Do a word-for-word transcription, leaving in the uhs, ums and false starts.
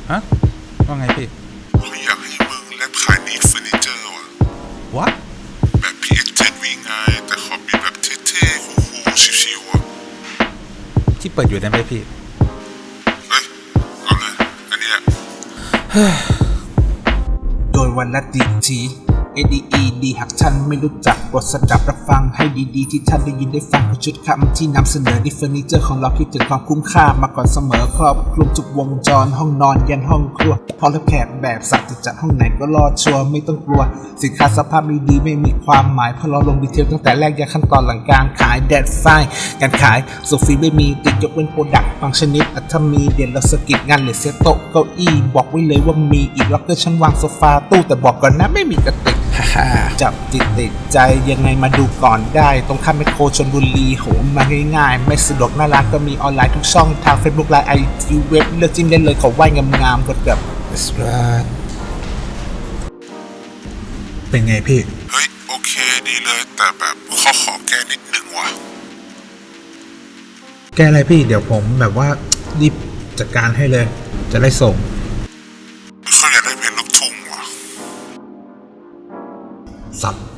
ฮะว่าไงพี่เขาอยากให้มึงแลบขายนีดเฟอร์นิเจอร์ว่ะวะแบบ พี เอส เจ็ด วี ไงแต่ขอมีแบบเท่ๆคูลๆชิวๆอ่ะที่เปิดอยู่ได้ไหมพี่เฮ้ยเอาเลยอันนี้แหละโดยวันละดีที เอ ดี อี ดี หากท่านไม่รู้จักบทสดับรับฟังให้ดีๆที่ท่านได้ยินได้ฟังคือชุดคำที่นำเสนอในเฟอร์นิเจอร์ของเราคิดถึงความคุ้มค่ามาก่อนเสมอครอบคลุมทุกวงจรห้องนอนยันห้องครัวพอรับแขกแบบสัตว์จะจัดห้องไหนก็รอดชัวร์ไม่ต้องกลัวสินค้าสภาพไม่ดีไม่มีความหมายเพราะเราลงดีเทลตั้งแต่แรกยันขั้นตอนหลังการขายแดดไฟการขายโซฟีไม่มีติดยกเว้นโปรดักต์บางชนิดอัตมีเด่นเราสกิดงานเหลือเซตโต๊ะเก้าอี้บอกไว้เลยว่ามีอีกล็อกเกอร์ชั้นวางโซฟาตู้แต่บอกก่อนนะไม่มีกระติกจับติดติดใจยังไงมาดูก่อนได้ตรงข้ามแมคโครชลบุรีโหมาง่ายๆไม่สะดวกหน้าร้านก็มีออนไลน์ทุกช่องทาง Facebook ไลน์ ไอ จี เว็บเลือกจิ้มได้เลยขอไหว้งามๆกดกับเป็นไงพี่เฮ้ยโอเคดีเลยแต่แบบข้อขอแก้นิดนึงว่ะแกอะไรพี่เดี๋ยวผมแบบว่ารีบจัดการให้เลยจะได้ส่งเขาอยากได้เพลงลูกทุ่งว่ะสับ